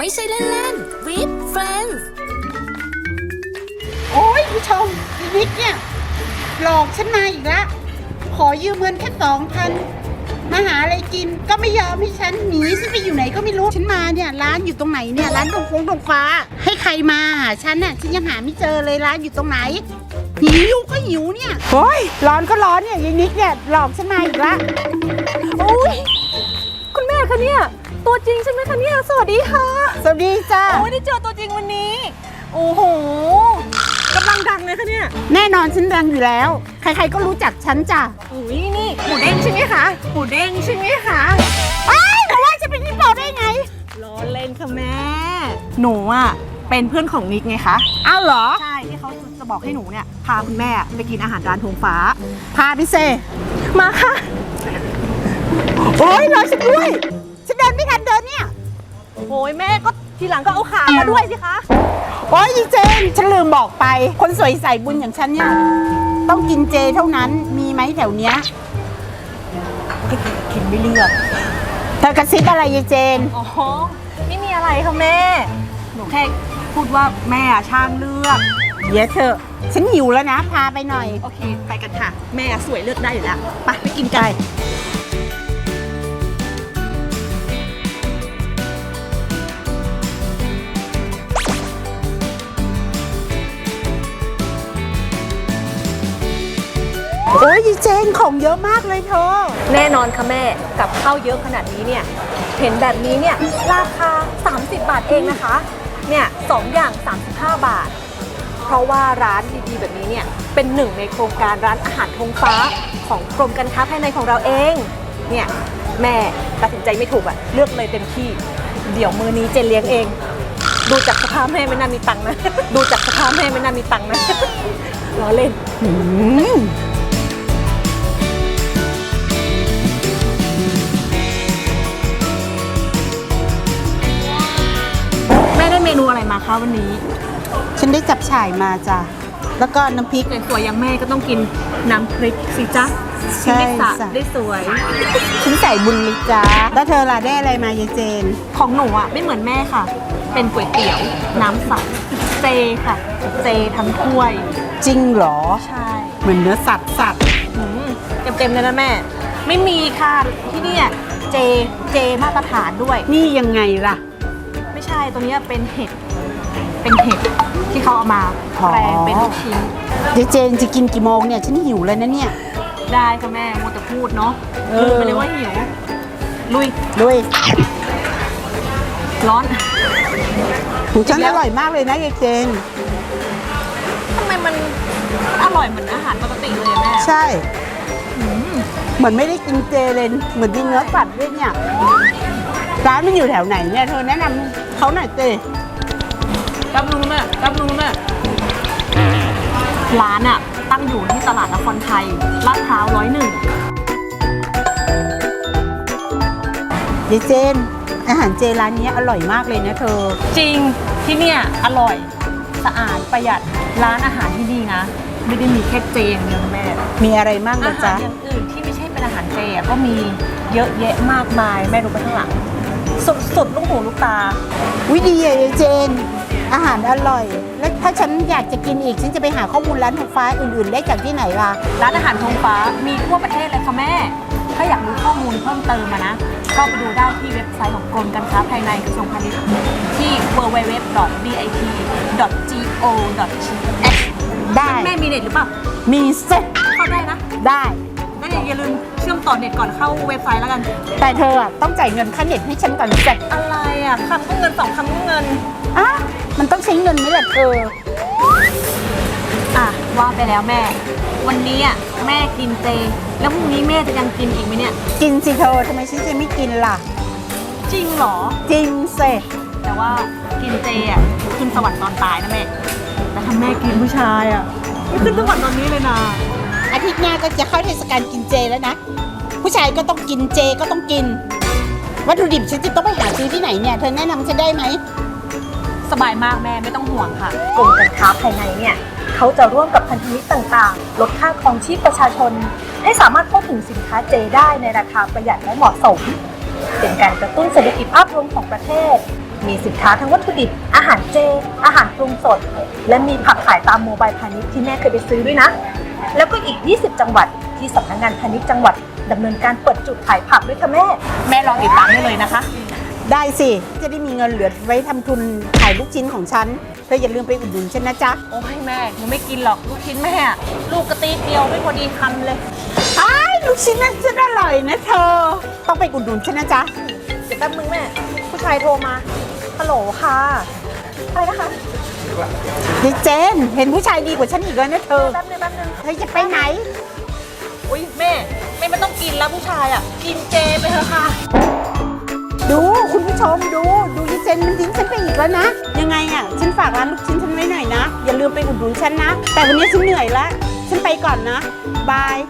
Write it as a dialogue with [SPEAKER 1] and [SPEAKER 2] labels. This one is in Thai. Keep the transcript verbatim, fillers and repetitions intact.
[SPEAKER 1] ไม่ใช่เล่นๆ with friends
[SPEAKER 2] โอ้ยผู้ชมอีนิดเนี่ยหลอกฉันมาอีกแล้วขอยืมเงินแค่สองพันมาหาอะไรกินก็ไม่ยอมให้ฉันหนีฉันไปอยู่ไหนก็ไม่รู้ฉันมาเนี่ยร้านอยู่ตรงไหนเนี่ยร้านตรงฟงตรงฟ้าให้ใครมาหาฉันน่ะฉันยังหาไม่เจอเลยร้านอยู่ตรงไหนหิวก็หิวเนี่ยโอ้ยร้อนก็ร้อนเนี่ยยายนิดเนี่ยหลอกฉันมาอีกแล้ว
[SPEAKER 3] โอ้ยคุณแม่คะเนี่ยตัวจริงใช่ไหมคะเนี่ยสวัสดีค่ะ
[SPEAKER 2] สวัสดีจ้า
[SPEAKER 3] โอ้ยได้เจอตัวจริงวันนี้โอ้โหกำลังดังเลยคะเนี่ย
[SPEAKER 2] แน่นอนฉันดังอยู่แล้วใครๆก็รู้จักฉันจ้ะ
[SPEAKER 3] อุ้ยนี่หมูเด้งใช่ไหมคะหมูเด้งใช่ไหมคะ
[SPEAKER 2] ไอ้แต่ว่าจะเป็นพี่บอกได้ไง
[SPEAKER 3] ล้อเล่นค่ะแม่ หนูอ่ะเป็นเพื่อนของนิกไงคะ
[SPEAKER 2] อ้าวเหรอ
[SPEAKER 3] ใช่ที่เขาจะบอกให้หนูเนี่ยพาคุณแม่ไปกินอาหารร้านธงฟ้า
[SPEAKER 2] พาพี่เซ
[SPEAKER 3] มาค่ะ
[SPEAKER 2] โอ้ยรอฉันด้วยฉันเดินไม่ทันเดินเนี่ย
[SPEAKER 3] โอ้ยแม่ก็ทีหลังก็เอาขามาด้วยสิคะ
[SPEAKER 2] โอ้ยอีเจนฉันลืมบอกไป คนสวยใส่บุญอย่างฉันเนี่ยต้องกินเจเท่านั้นมีไหมแถวเนี้ย
[SPEAKER 3] กินไม่เลือก
[SPEAKER 2] เธอกระซิบอะไรยายเจน
[SPEAKER 3] อ๋อไม่มีอะไรค่ะแม่หนูแค่พูดว่าแม่ช่างเลือก
[SPEAKER 2] เดี๋ยวเธอะฉันหิวแล้วนะพาไปหน่อย
[SPEAKER 3] โอเค ไปกันค่ะ แม่สวยเลือกได้อยู่แล้วไปไปกินกัน
[SPEAKER 2] โอ้ยอีเจนของเยอะมากเลยเธอ
[SPEAKER 3] แน่นอนค่ะแม่กับข้าวเยอะขนาดนี้เนี่ยเห็นแบบนี้เนี่ยราคาสามสิบบาทเองนะคะเนี่ยสองอย่างสามสิบห้าบาท เพราะว่าร้านดีๆแบบนี้เนี่ยเป็นหนึ่งในโครงการร้านอาหารธงฟ้าของกรมการค้าภายในของเราเองเนี่ยแม่ตัดสินใจไม่ถูกอะเลือกเลยเต็มที่เดี๋ยวมื้อนี้เจนเลี้ยงเอง ดูจากสภาพแม่ไม่น่ามีตังค์นะ ดูจากสภาพแม่ไม่น่ามีตังค์นะ ล้อเล่น
[SPEAKER 2] อืม
[SPEAKER 3] แม่ได้เมนูอะไรมาคะวันนี้
[SPEAKER 2] ฉันได้จับฉ่ายมาจ้ะแล้วก็น้ำพริก
[SPEAKER 3] สวยๆอย่างแม่ก็ต้องกินน้ำพริกสิจ๊ะ
[SPEAKER 2] ใช่
[SPEAKER 3] กินได้สะ
[SPEAKER 2] จ้ะ
[SPEAKER 3] ได้สวย
[SPEAKER 2] ฉันใส่บุญลิจ้าแล้วเธอล่ะได้อะไรมายายเจน
[SPEAKER 3] ของหนูอ่ะไม่เหมือนแม่ค่ะ เป็นก๋วยเตี๋ยวน้ำใสเจค่ะ เจทั้งถ้วย
[SPEAKER 2] จริงเหรอ
[SPEAKER 3] ใช่
[SPEAKER 2] เหมือนเนื้อสัตว์สัตว์
[SPEAKER 3] อืมเต็มๆเลยนะแม่ ไม่มีค่ะที่เนี่ยเจเจมาตรฐานด้วย
[SPEAKER 2] นี่ยังไงล่ะ
[SPEAKER 3] ไม่ใช่ตัวเนี้ยเป็นเห็ดเป็นเห็ดที่เขาเอามา
[SPEAKER 2] อ๋อ
[SPEAKER 3] แปลงเป็นลูกชิ้น
[SPEAKER 2] ยายเจนจะกินกี่โมงเนี่ยฉันหิวเลยนะเนี่ย
[SPEAKER 3] ได้ค่ะแม่มัวแต่พูดเนาะ
[SPEAKER 2] เออ
[SPEAKER 3] ลืมไปเลยว่าหิวลุย
[SPEAKER 2] ด้วย
[SPEAKER 3] ร้อน
[SPEAKER 2] หูฉันอร่อยมากเลยนะยายเจน
[SPEAKER 3] ทำไมมันอร่อยเหมือนอาหารปกติเลยอะแม่
[SPEAKER 2] ใช่เหมือนไม่ได้กินเจเลยเหมือนกินเนื้อสัตว์ด้วยเนี่ยร้านมันอยู่แถวไหนเนี่ยเธอแนะนำเขาหน่อยเจ
[SPEAKER 3] รับรู้แม่รับรู้แม่ร้านอะตั้งอยู่ที่ตลาดนครไทยลาดพร้าวร้อยหนึ่ง
[SPEAKER 2] ยายเจน อาหารเจร้านนี้อร่อยมากเลยนะเธอ
[SPEAKER 3] จริงที่เนี่ยอร่อยสะอาดประหยัดร้านอาหารที่ดีนะ ไม่ได้มีแค่เจอย่างเดียวนะแม่
[SPEAKER 2] มีอะไรบ้าง
[SPEAKER 3] อา
[SPEAKER 2] นะ
[SPEAKER 3] หา
[SPEAKER 2] จ๊ะ
[SPEAKER 3] รอย่างอื่นที่ไม่ใช่เป็นอาหารเจอะก็มีเยอะแยะมากมายแม่ดูไปข้างหลังสุดสุดลูกหูลูกตา
[SPEAKER 2] วิดีอะยายเจน อาหารอร่อย แล้วถ้าฉันอยากจะกินอีก ฉันจะไปหาข้อมูลร้านทงฟ้าอื่นๆ ได้จากที่ไหนล่ะ
[SPEAKER 3] ร้านอาหารธงฟ้ามีทั่วประเทศเลยค่ะแม่ ถ้าอยากรู้ข้อมูลเพิ่มเติมอะนะเข้าไปดูได้ที่เว็บไซต์ของกรมการค้าภายในกระทรวงพาณิชย์ที่ ดับเบิลยู ดับเบิลยู ดับเบิลยู ดอท บี ไอ ที ดอท จี โอ ดอท ที เอช
[SPEAKER 2] ได้
[SPEAKER 3] แม่มีเน็ตหรือเปล่า
[SPEAKER 2] มีเซ็ต
[SPEAKER 3] เข้าได้นะ
[SPEAKER 2] ได้
[SPEAKER 3] งั้นอย่าลืมเชื่อมต่อเน็ตก่อนเข้าเว็บไซต์แล้วกัน
[SPEAKER 2] แต่เธออะต้องจ่ายเงินค่าเน็ตให้ฉันก่อนเสร็จ
[SPEAKER 3] อะไรอ่ะคำก็เงินสองคำก็เงิน
[SPEAKER 2] อ่ะมันต้องใช้เงินไหมล่ะเธอ
[SPEAKER 3] อ่ะว่าไปแล้วแม่ วันนี้อ่ะแม่กินเจ แล้วพรุ่งนี้แม่จะยังกินอีกไหมเนี่ย
[SPEAKER 2] กินสิเธอทำไมฉันจะไม่กินล่ะ
[SPEAKER 3] จริงเหรอ
[SPEAKER 2] จริงเสร็จ
[SPEAKER 3] แต่ว่ากินเจอ่ะขึ้นสวรรค์ตอนตายนะแม่ แต่ถ้าแม่กินผู้ชายอ่ะไม่ขึ้นสวรรค์ตอนนี้เลยนะ
[SPEAKER 2] อาทิตย์หน้าก็จะเข้าเทศกาลกินเจแล้วนะ ผู้ชายก็ต้องกินเจก็ต้องกิน วัตถุดิบฉันจะต้องไปหาซื้อที่ไหนเนี่ย เธอแนะนำฉันได้ไหม
[SPEAKER 3] สบายมากแม่ไม่ต้องห่วงค่ะกรมการค้าภายในเนี่ยเขาจะร่วมกับพันธมิตรต่างๆ ลดค่าครองชีพประชาชน ให้สามารถเข้าถึงสินค้าเจได้ในราคาประหยัดและเหมาะสม เป็นการกระตุ้นเศรษฐกิจภาพรวมของประเทศมีสินค้าทั้งวัตถุดิบอาหารเจ อาหารปรุงสด และมีผักขายตามโมบายพาณิชย์ที่แม่เคยไปซื้อด้วยนะ แล้วก็อีก ยี่สิบ จังหวัดที่สำนักงานพาณิชย์จังหวัดดำเนินการเปิดจุดขายผักด้วยค่ะแม่
[SPEAKER 4] แม่ลองติดตามได้เลยนะคะ
[SPEAKER 2] ได้สิ จะได้มีเงินเหลือไว้ทำทุนขายลูกชิ้นของฉัน เธออย่าลืมไปอุดหนุนฉันนะจ๊ะ
[SPEAKER 4] โอ้ยแม่หนูไม่กินหรอกลูกชิ้นแม่อะลูกกระตีเดียวไม่พอดีคำเลย
[SPEAKER 2] ไอ้ายลูกชิ้นนั้นฉันอร่อยนะเธอ ต้องไปอุดหนุนฉันนะจ๊ะ
[SPEAKER 3] เดี๋ยวแป๊บนึงแม่ ผู้ชายโทรมา ฮัลโหลค่ะ อะไรนะคะ
[SPEAKER 2] ดิเจน เห็นผู้ชายดีกว่าฉันอีกแล้วนะเธอ
[SPEAKER 3] แป๊บนึงแป๊บนึง
[SPEAKER 2] เธอจะไปไหน
[SPEAKER 4] อุ้ยแม่แม่ไม่ต้องกินแล้วผู้ชายอ่ะ กินเจไปเถอะค่ะ
[SPEAKER 2] ดูคุณผู้ชมดู ดูดิเจนมันทิ้งฉันไปอีกแล้วนะ ยังไงอ่ะ ฉันฝากร้านลูกชิ้นฉันไว้หน่อยนะ อย่าลืมไปอุดหนุนฉันนะ แต่วันนี้ฉันเหนื่อยแล้ว ฉันไปก่อนนะ บาย